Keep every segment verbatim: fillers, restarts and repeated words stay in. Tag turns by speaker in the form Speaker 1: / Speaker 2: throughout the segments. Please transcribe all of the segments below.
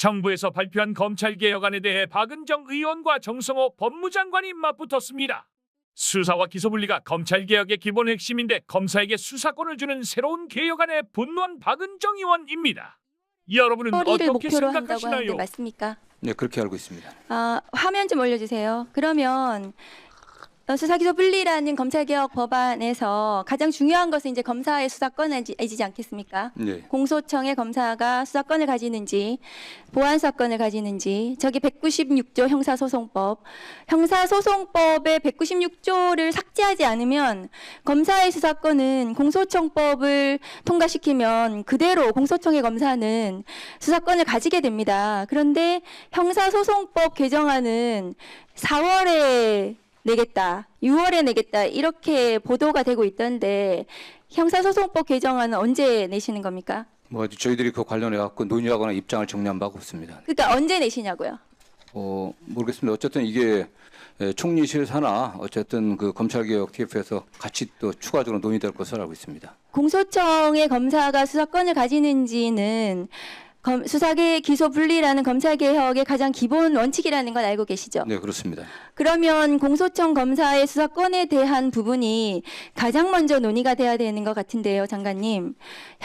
Speaker 1: 정부에서 발표한 검찰개혁안에 대해 박은정 의원과 정성호 법무장관이 맞붙었습니다. 수사와 기소분리가 검찰개혁의 기본 핵심인데 검사에게 수사권을 주는 새로운 개혁안에 분노한 박은정 의원입니다. 여러분은
Speaker 2: 처리를
Speaker 1: 어떻게
Speaker 2: 목표로 한다고 하는데
Speaker 1: 생각하시나요?
Speaker 2: 맞습니까?
Speaker 3: 네, 그렇게 알고 있습니다.
Speaker 2: 아, 화면 좀 올려주세요. 그러면 어, 수사기소분리라는 검찰개혁 법안에서 가장 중요한 것은 이제 검사의 수사권이지 않겠습니까?
Speaker 3: 네.
Speaker 2: 공소청의 검사가 수사권을 가지는지 보안사건을 가지는지 저기 백구십육 조 형사소송법 형사소송법의 백구십육 조를 삭제하지 않으면 검사의 수사권은 공소청법을 통과시키면 그대로 공소청의 검사는 수사권을 가지게 됩니다. 그런데 형사소송법 개정안은 사월에 내겠다, 유월에 내겠다 이렇게 보도가 되고 있던데 형사소송법 개정안은 언제 내시는 겁니까?
Speaker 3: 뭐 저희들이 그 관련해 갖고 논의하거나 입장을 정리한 바가 없습니다.
Speaker 2: 그러니까 언제 내시냐고요?
Speaker 3: 어 모르겠습니다. 어쨌든 이게 총리실 산하 어쨌든 그 검찰개혁 티에프에서 같이 또 추가적으로 논의될 것으로 알고 있습니다.
Speaker 2: 공소청의 검사가 수사권을 가지는지는 검, 수사계 기소 분리라는 검찰개혁의 가장 기본 원칙이라는 걸 알고 계시죠?
Speaker 3: 네, 그렇습니다.
Speaker 2: 그러면 공소청 검사의 수사권에 대한 부분이 가장 먼저 논의가 돼야 되는 것 같은데요, 장관님.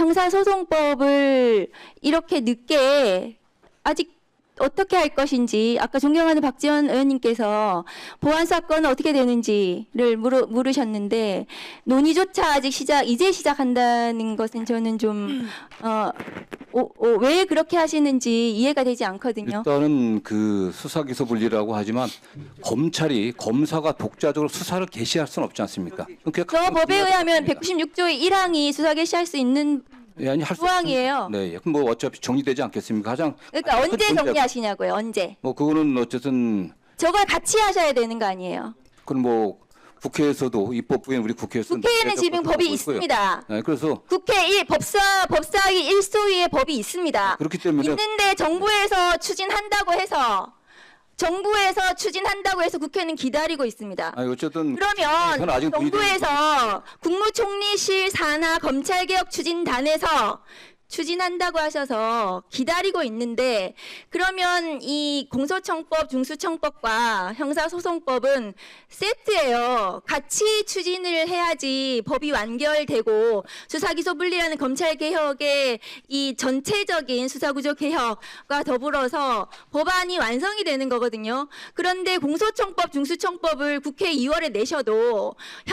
Speaker 2: 형사소송법을 이렇게 늦게 아직 어떻게 할 것인지 아까 존경하는 박지원 의원님께서 보안사건은 어떻게 되는지를 물으, 물으셨는데 논의조차 아직 시작 이제 시작한다는 것은 저는 좀 어, 어, 어, 왜 그렇게 하시는지 이해가 되지 않거든요.
Speaker 3: 일단은 그 수사기소분리라고 하지만 검찰이 검사가 독자적으로 수사를 개시할 수는 없지 않습니까?
Speaker 2: 저 법에 의하면 백구십육 조의 일 항이 수사 개시할 수 있는
Speaker 3: 예, 아니 할 수
Speaker 2: 조항이에요.
Speaker 3: 네, 그럼 뭐 어차피 정리되지 않겠습니까? 가장
Speaker 2: 그러니까
Speaker 3: 큰
Speaker 2: 언제
Speaker 3: 문제가-
Speaker 2: 정리하시냐고요. 언제?
Speaker 3: 뭐 그거는 어쨌든
Speaker 2: 저걸 같이 하셔야 되는 거 아니에요.
Speaker 3: 그럼 뭐 국회에서도 입법부인 우리 국회에서
Speaker 2: 국회에는 지금 법이 있습니다.
Speaker 3: 네, 그래서
Speaker 2: 국회 일 법사 법사위 일 소위의 법이 있습니다.
Speaker 3: 그렇기 때문에
Speaker 2: 있는데 정부에서 추진한다고 해서 정부에서 추진한다고 해서 국회는 기다리고 있습니다.
Speaker 3: 아니 어쨌든
Speaker 2: 그러면
Speaker 3: 저는 아직
Speaker 2: 정부에서 국무총리실 산하 검찰개혁 추진단에서 추진한다고 하셔서 기다리고 있는데 그러면 이 공소청법, 중수청법과 형사소송법은 세트예요. 같이 추진을 해야지 법이 완결되고 수사기소분리라는 검찰개혁의 이 전체적인 수사구조 개혁과 더불어서 법안이 완성이 되는 거거든요. 그런데 공소청법, 중수청법을 국회 이월에 내셔도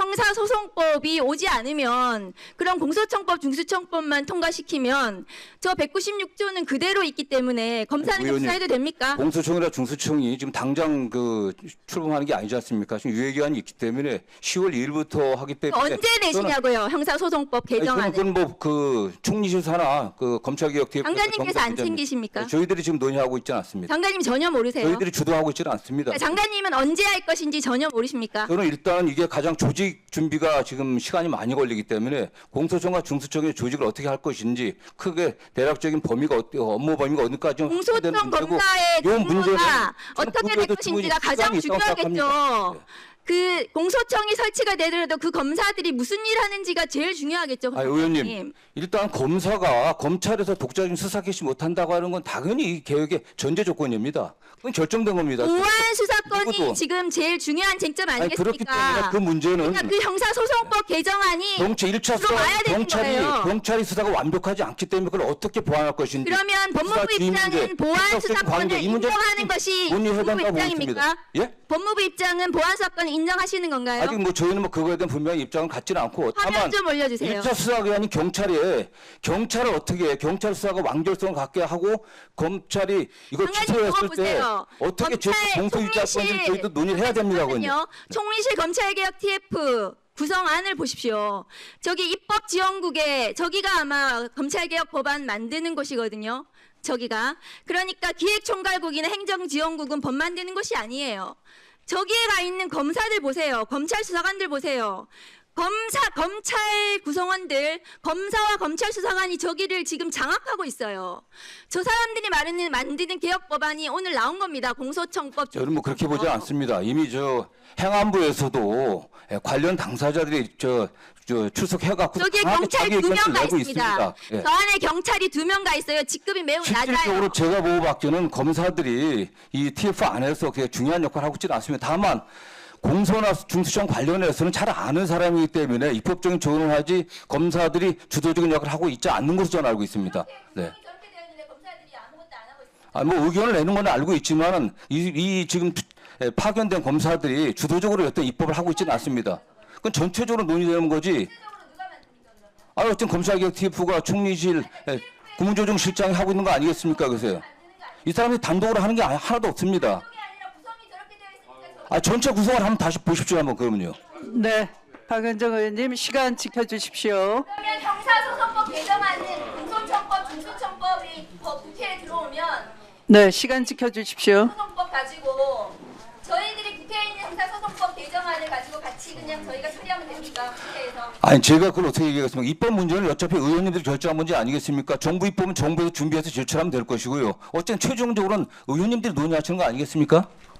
Speaker 2: 형사소송법이 오지 않으면 그럼 공소청법, 중수청법만 통과시키면 저 백구십육 조는 그대로 있기 때문에 검사는
Speaker 3: 의원님,
Speaker 2: 수사해도 됩니까?
Speaker 3: 공소청이나 중수청이 지금 당장 그 출범하는 게 아니지 않습니까? 지금 유예기한이 있기 때문에 시월 일일부터 하기 때문에
Speaker 2: 언제 내시냐고요? 형사소송법 개정안을.
Speaker 3: 그건 뭐그 총리실 산하 그 검찰개혁 티에프
Speaker 2: 장관님께서 안 챙기십니까?
Speaker 3: 저희들이 지금 논의하고 있지는 않습니다.
Speaker 2: 장관님 전혀 모르세요?
Speaker 3: 저희들이 주도하고 있지는 않습니다.
Speaker 2: 그러니까 장관님은 언제 할 것인지 전혀 모르십니까?
Speaker 3: 저는 일단 이게 가장 조직 준비가 지금 시간이 많이 걸리기 때문에 공소청과 중수청의 조직을 어떻게 할 것인지 크게 대략적인 범위가 어때 업무 범위가 어디까지
Speaker 2: 공소청 검사의
Speaker 3: 요 문제는
Speaker 2: 근무가
Speaker 3: 저는
Speaker 2: 어떻게 될
Speaker 3: 그거에도
Speaker 2: 것인지가
Speaker 3: 충분히
Speaker 2: 가장
Speaker 3: 시간이 있다고
Speaker 2: 중요하겠죠.
Speaker 3: 생각합니다.
Speaker 2: 그 공소청이 설치가 되더라도 그 검사들이 무슨 일 하는지가 제일 중요하겠죠.
Speaker 3: 아, 의원님, 일단 검사가 검찰에서 독자적인 수사 개시 못한다고 하는 건 당연히 이 개혁의 전제 조건입니다. 그건 결정된 겁니다.
Speaker 2: 보안 수사권이
Speaker 3: 누구도.
Speaker 2: 지금 제일 중요한 쟁점
Speaker 3: 아니, 그렇기 때문에
Speaker 2: 아니겠습니까?
Speaker 3: 그 문제는
Speaker 2: 그러니까 그 형사소송법 개정안이
Speaker 3: 경찰 일 차 수사
Speaker 2: 들어와야 되는
Speaker 3: 경찰이
Speaker 2: 거예요.
Speaker 3: 경찰이 수사가 완벽하지 않기 때문에 그걸 어떻게 보완할 것인지
Speaker 2: 그러면 법무부
Speaker 3: 수사 지휘 문제,
Speaker 2: 입장은 보안
Speaker 3: 수사적인
Speaker 2: 수사권을
Speaker 3: 관계, 이 문제
Speaker 2: 인정하는 것이
Speaker 3: 논의해야
Speaker 2: 법무부
Speaker 3: 된다고
Speaker 2: 입장입니까?
Speaker 3: 보겠습니다. 예?
Speaker 2: 법무부 입장은 보안 수사권을 인정하시는 건가요?
Speaker 3: 아직 뭐 저희는 뭐 그거에 대한 분명히 입장은 갖지는 않고
Speaker 2: 화면
Speaker 3: 다만
Speaker 2: 좀 올려주세요.
Speaker 3: 일 차 수사기관인 경찰이 경찰을 어떻게 해? 경찰 수사가 완결성을 갖게 하고 검찰이 이걸
Speaker 2: 장관님
Speaker 3: 취소했을
Speaker 2: 그거
Speaker 3: 때
Speaker 2: 보세요.
Speaker 3: 어떻게 제
Speaker 2: 검찰
Speaker 3: 공소유지할 건지
Speaker 2: 총리실
Speaker 3: 저희도 논의를 해야 됩니다. 그건요.
Speaker 2: 잠깐만요. 총리실 검찰개혁 티에프 구성안을 보십시오. 저기 입법지원국에 저기가 아마 검찰개혁 법안 만드는 곳이거든요. 저기가. 그러니까 기획총괄국이나 행정지원국은 법 만드는 곳이 아니에요. 저기에 가 있는 검사들 보세요. 검찰 수사관들 보세요. 검사 검찰 구성원들, 검사와 검찰 수사관이 저기를 지금 장악하고 있어요. 저 사람들이 말하는 만드는 개혁 법안이 오늘 나온 겁니다. 공소청법.
Speaker 3: 저는 뭐 그렇게 보지 않습니다. 이미 저 행안부에서도 예, 관련 당사자들이 저, 저 출석해갖고
Speaker 2: 저기에
Speaker 3: 강하게
Speaker 2: 경찰
Speaker 3: 자기
Speaker 2: 두 명
Speaker 3: 의견을
Speaker 2: 가
Speaker 3: 내고
Speaker 2: 있습니다.
Speaker 3: 있습니다. 예.
Speaker 2: 저 안에 경찰이 두 명 가 있어요. 직급이 매우
Speaker 3: 실질적으로
Speaker 2: 낮아요.
Speaker 3: 제가 보고받기는 검사들이 이 티에프 안에서 그게 중요한 역할을 하고 있지는 않습니다. 다만 공소나 중수청 관련해서는 잘 아는 사람이기 때문에 입법적인 조언을 하지 검사들이 주도적인 역할을 하고 있지 않는 것으로 저는 알고 있습니다. 네.
Speaker 2: 저렇게 되어 있는데 검사들이 아무것도 안 하고 있습니다.
Speaker 3: 아, 뭐 의견을 내는 건 알고 있지만은 이, 이 지금 예, 파견된 검사들이 주도적으로 어떤 입법을 하고 있지는 않습니다. 그건 전체적으로 논의되는 거지. 아, 어쨌든 검찰개혁 티에프가 총리실 예, 국무조정실장이 하고 있는 거 아니겠습니까? 그래서 이 사람이 단독으로 하는 게 아- 하나도 없습니다. 아, 전체 구성을 한번 다시 보십시오, 한번 그러면요.
Speaker 4: 네, 박은정 의원님 시간 지켜주십시오.
Speaker 2: 그러면 형사소송법 개정안은 공소청법, 중수청법이 법 국회에 들어오면
Speaker 4: 네, 시간 지켜주십시오.
Speaker 2: 소송법 가지고 저희들이 국회에 있는 형사소송법 개정안을 가지고 같이 그냥 저희가 처리하면 됩니까? 국회에서.
Speaker 3: 아니, 제가 그걸 어떻게 얘기하겠습니까? 입법 문제는 어차피 의원님들이 결정한 문제 아니겠습니까? 정부 입법은 정부에서 준비해서 제출하면 될 것이고요. 어쨌든 최종적으로는 의원님들이 논의하시는 거 아니겠습니까?